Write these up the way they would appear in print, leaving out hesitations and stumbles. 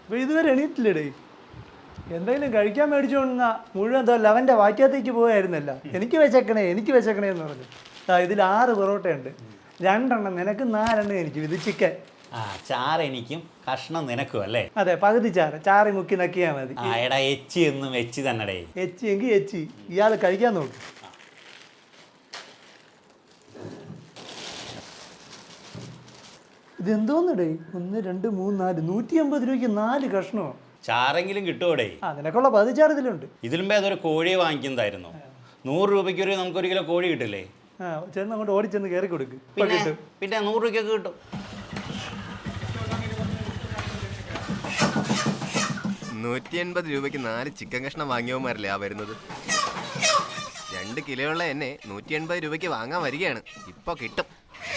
അപ്പോൾ ഇതുവരെ എണീറ്റില്ലേടേ? എന്തെങ്കിലും കഴിക്കാൻ മേടിച്ചുകൊണ്ടിരുന്ന മുഴുവൻ എന്തോ ലവൻ്റെ വാക്യത്തേക്ക് പോയായിരുന്നല്ല. എനിക്ക് വെച്ചേക്കണേ എന്ന് പറഞ്ഞു. ഇതിൽ 6 പൊറോട്ടയുണ്ട്, 2 നിനക്ക്, 4 എനിക്ക്. ഇത് ചിക്കൻ. ചാറ് എനിക്കും കഷ്ണം നിനക്കും അല്ലേ? അതെ, പകുതി ചാറ് മുക്കി നക്കിയാൽ മതി. എടാ എച്ചി എന്നും എച്ചി തന്നെ. എച്ചി എങ്കിൽ എച്ചി. ഇയാൾ കഴിക്കാൻ നോക്കും. ഇതെന്തോന്നടേ? 1, 2, 3, 4 150 രൂപയ്ക്ക് 4 കഷ്ണമോ? ചാറെങ്കിലും കിട്ടുമോടേ? നിനക്കുള്ള 10 ചാറ് ഇതിലുണ്ട്. ഇതിലും ഏതൊരു കോഴിയെ വാങ്ങിക്കുന്നതായിരുന്നു. 100 രൂപയ്ക്ക് നമുക്ക് 1 കിലോ കോഴി കിട്ടില്ലേ? ചെന്ന് അങ്ങോട്ട് ഓടിച്ചെന്ന് കയറി കൊടുക്കും. പിന്നെ 100 രൂപയ്ക്കൊക്കെ കിട്ടും. 180 രൂപയ്ക്ക് 4 ചിക്കൻ കഷ്ണം വാങ്ങിയവന്മാരല്ലേ വരുന്നത്. 2 കിലോ ഉള്ള എന്നെ 180 രൂപയ്ക്ക് വാങ്ങാൻ വരികയാണ്. ഇപ്പൊ കിട്ടും.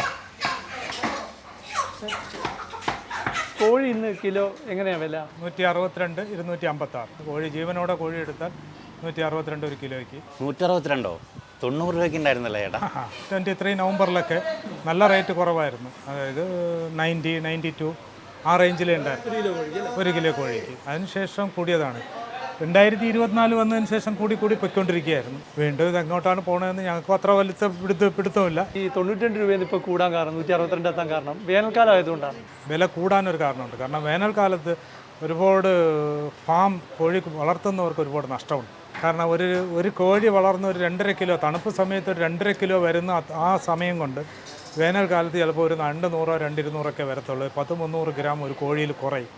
കോഴി ഇന്ന് കിലോ എങ്ങനെയാ വില? 162, 256. കോഴി ജീവനോടെ കോഴി എടുത്താൽ 162 ഒരു കിലോയ്ക്ക്. 162? 90 രൂപയ്ക്ക് ഉണ്ടായിരുന്നല്ലേ ചേട്ടാ? 23 നവംബറിലൊക്കെ നല്ല റേറ്റ് കുറവായിരുന്നു. അതായത് 90, 92 ആ റേഞ്ചിലേ ഉണ്ടായിരുന്നു 1 കിലോ കോഴിക്ക്. അതിനുശേഷം കൂടിയതാണ്. 2024 വന്നതിന് ശേഷം കൂടി പൊയ്ക്കൊണ്ടിരിക്കുകയായിരുന്നു. വീണ്ടും ഇത് എങ്ങോട്ടാണ് പോകണമെന്ന് ഞങ്ങൾക്ക് അത്ര വലിയ പിടുത്തമില്ല. ഈ 92 രൂപയിൽ ഇപ്പോൾ കൂടാൻ കാരണം, 162 എത്താൻ കാരണം വേനൽക്കാലം ആയതുകൊണ്ടാണ്. വില കൂടാനൊരു കാരണമുണ്ട്. കാരണം വേനൽക്കാലത്ത് ഒരുപാട് ഫാം കോഴി വളർത്തുന്നവർക്ക് ഒരുപാട് നഷ്ടമുണ്ട്. കാരണം ഒരു കോഴി വളർന്ന് ഒരു 2.5 കിലോ, തണുപ്പ് സമയത്ത് ഒരു 2.5 കിലോ വരുന്ന ആ സമയം കൊണ്ട് വേനൽക്കാലത്ത് ചിലപ്പോൾ ഒരു 200, 220 വരത്തുള്ളൂ. 10-300 ഗ്രാം ഒരു കോഴിയിൽ കുറയും.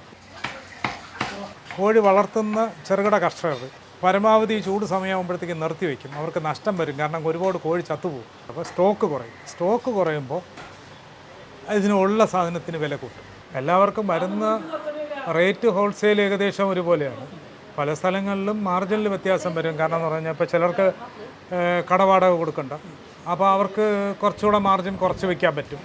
കോഴി വളർത്തുന്ന ചെറുകിട കർഷകർ പരമാവധി ചൂട് സമയമാകുമ്പോഴത്തേക്ക് നിർത്തി വയ്ക്കും. അവർക്ക് നഷ്ടം വരും. കാരണം ഒരുപാട് കോഴി ചത്തുപോകും. അപ്പോൾ സ്റ്റോക്ക് കുറയുമ്പോൾ ഇതിനുള്ള സാധനത്തിന് വില കൂട്ടും. എല്ലാവർക്കും വരുന്ന റേറ്റ് ഹോൾസെയിൽ ഏകദേശം ഒരുപോലെയാണ്. പല സ്ഥലങ്ങളിലും മാർജിനിൽ വ്യത്യാസം വരും. കാരണം എന്ന് പറഞ്ഞാൽ ഇപ്പോൾ ചിലർക്ക് കടവാടക കൊടുക്കണ്ട, അപ്പോൾ അവർക്ക് കുറച്ചുകൂടെ മാർജിൻ കുറച്ച് വയ്ക്കാൻ പറ്റും.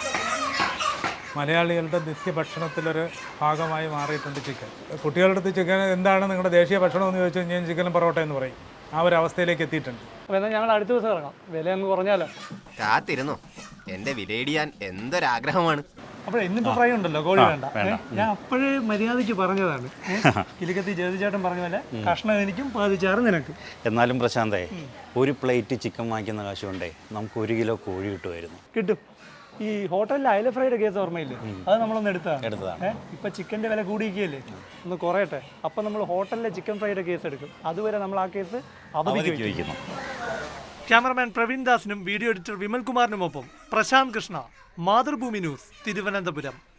മലയാളികളുടെ നിത്യഭക്ഷണത്തിലൊരു ഭാഗമായി മാറിയിട്ടുണ്ട് ചിക്കൻ. കുട്ടികളുടെ അടുത്ത് ചിക്കൻ എന്താണ് നിങ്ങളുടെ ദേശീയ ഭക്ഷണം എന്ന് ചോദിച്ചു കഴിഞ്ഞാൽ ചിക്കനും പൊറോട്ട എന്ന് പറയും. ആ ഒരു അവസ്ഥയിലേക്ക് എത്തിയിട്ടുണ്ട്. അപ്പോൾ എന്നാൽ ഞങ്ങൾ അടുത്ത ദിവസം ഇറങ്ങാം. വില അങ്ങ് കുറഞ്ഞാലോ? കാത്തിരുന്നോ, എൻ്റെ വിലയിടിയാൻ എന്തൊരാഗ്രഹമാണ്. അപ്പോൾ ഇന്നിപ്പോൾ ഫ്രൈ ഉണ്ടല്ലോ, കോഴി വേണ്ട. ഞാൻ അപ്പോഴേ മര്യാദയ്ക്ക് പറഞ്ഞതാണ്. കിലുക്കത്തി ജ്യോതിചേട്ടൻ പറഞ്ഞ പോലെ കഷ്ണം എനിക്കും 10 ചാറ് നിനക്കും. എന്നാലും പ്രശാന്തേ, ഒരു പ്ലേറ്റ് ചിക്കൻ വാങ്ങിക്കുന്ന കാശ് കൊണ്ടേ നമുക്ക് 1 കിലോ കോഴി കിട്ടുമായിരുന്നു. കിട്ടും. ഈ ഹോട്ടലിൽ അയല ഫ്രൈയുടെ കേസ് ഓർമ്മയില്ലേ? അത് നമ്മളൊന്ന് എടുത്തതാണ്. ഇപ്പം ചിക്കൻ്റെ വില കൂടിയിരിക്കുകയല്ലേ, ഒന്ന് കുറയട്ടെ. അപ്പം നമ്മൾ ഹോട്ടലിലെ ചിക്കൻ ഫ്രൈയുടെ കേസ് എടുക്കും. അതുവരെ നമ്മൾ ആ കേസ് അവധിക്ക് വയ്ക്കുന്നു. ക്യാമറമാൻ പ്രവീൺ ദാസിനും വീഡിയോ എഡിറ്റർ വിമൽ കുമാറിനുമൊപ്പം പ്രശാന്ത് കൃഷ്ണ, മാതൃഭൂമി ന്യൂസ്, തിരുവനന്തപുരം.